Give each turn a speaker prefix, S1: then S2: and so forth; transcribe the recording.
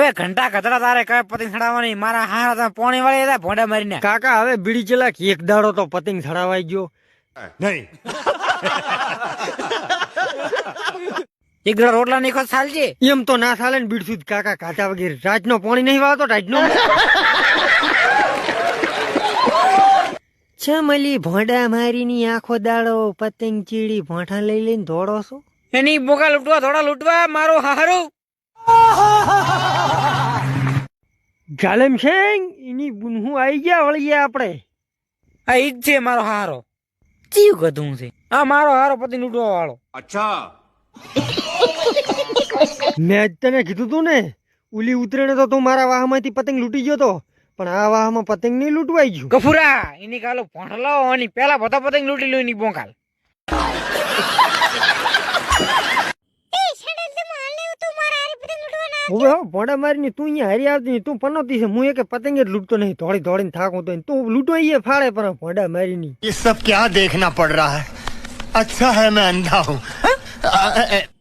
S1: ઓય ઘંટા કતરા તારે કઈ પતંગ ચડાવવાની મારા હારા તમે પોણી વાળી હતા ભોંડા મારીને
S2: કાકા હવે બીડી ચલાક એક દાડો તો પતંગ ચડાવાઈ ગયો
S3: नहीं
S1: એક દાડો રોટલા નીખો ચાલજે
S2: એમ તો ના ચાલે ને બીડશું જ કાકા કાચા વગેરે રાતનો પાણી નહીં વાવતો રાતનો ચમલી ભોંડા મારીની આખો દાડો પતંગ ચીડી ભોંઠા લઈ લઈને દોડો છો
S1: એની બોકા લૂંટવા થોડા લૂંટવા મારો હારું
S2: જાલેમ સિંહ એની બુનહું આવી ગયા વળીએ આપણે
S1: આ ઈ જ છે મારો હારો ચીવ કધું છે આ મારો હારો પતંગ લૂંટવા વાળો
S3: अच्छा
S2: મેં જ તને કીધું તું ને ઉલી ઉતરેને તો તું મારા વાહમાંથી પતંગ લૂંટી ગયો તો પણ આ વાહમાં પતંગ નહીં લૂંટવાઈ ગયું
S1: ગફુરા એની કાલો ભોંઠલો અને પેલા બધા પતંગ લૂંટી લો એની બોકાલ
S2: હવે ભોંડા મારીને તું અહીંયા હારી આવતી નહીં, તું પનોતી છે હું એક પતંગ જ લૂંટતો નહીં દોડી દોડીને થાકું તો તું લૂંટવાઈએ ફાળે પણ ભોંડા મારીની
S3: ये सब क्या देखना पड़ रहा है अच्छा है मैं अंधा हूँ